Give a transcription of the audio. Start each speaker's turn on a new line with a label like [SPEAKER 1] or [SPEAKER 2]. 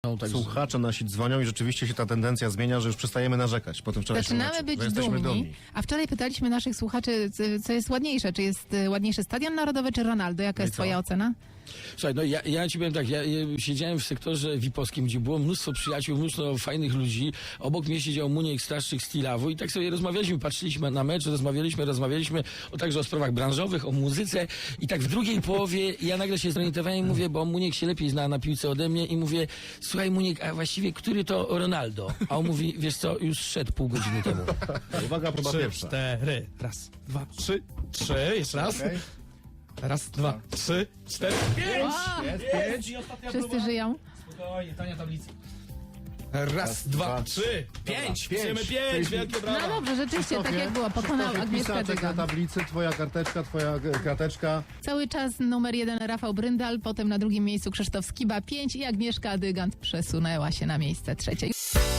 [SPEAKER 1] Słuchacze nasi dzwonią i rzeczywiście się ta tendencja zmienia, że już przestajemy narzekać po tym wczorajszym
[SPEAKER 2] Zaczynamy
[SPEAKER 1] meczu,
[SPEAKER 2] być
[SPEAKER 1] że jesteśmy
[SPEAKER 2] dumni. A wczoraj pytaliśmy naszych słuchaczy, co jest ładniejsze. Czy jest ładniejszy Stadion Narodowy, czy Ronaldo? Jaka jest twoja ocena?
[SPEAKER 3] Słuchaj, no ja ci powiem tak, ja siedziałem w sektorze VIP-owskim, gdzie było mnóstwo przyjaciół, mnóstwo fajnych ludzi. Obok mnie siedział Muniek Straszczyk z Tilawu i tak sobie rozmawialiśmy, patrzyliśmy na mecz, rozmawialiśmy także o sprawach branżowych, o muzyce i tak w drugiej połowie ja nagle się zorientowałem i mówię, bo Muniek się lepiej zna na piłce ode mnie i mówię, słuchaj Muniek, a właściwie który to Ronaldo? A on mówi, wiesz co, już szedł pół godziny temu.
[SPEAKER 1] Uwaga, próba
[SPEAKER 4] 3,
[SPEAKER 1] pierwsza.
[SPEAKER 4] 4. Raz, dwa, trzy. Jeszcze raz.
[SPEAKER 1] Okej.
[SPEAKER 4] Raz, dwa, 3, 4, 5.
[SPEAKER 1] Jest 5.
[SPEAKER 4] I ostatnia
[SPEAKER 2] Wszyscy
[SPEAKER 4] próba.
[SPEAKER 2] żyją?
[SPEAKER 4] Spokojnie, tania tablica. Raz, dwa, 3, 5. Wpisujemy 5. Wielkie
[SPEAKER 2] No
[SPEAKER 4] brawa.
[SPEAKER 2] dobrze, rzeczywiście, tak jak było. Pokonał Agnieszkę
[SPEAKER 1] Pisaczek na
[SPEAKER 2] Dygan.
[SPEAKER 1] tablicy, twoja karteczka, twoja krateczka.
[SPEAKER 2] Cały czas numer 1 Rafał Bryndal, potem na drugim miejscu Krzysztof Skiba 5 i Agnieszka Dygant przesunęła się na miejsce trzecie.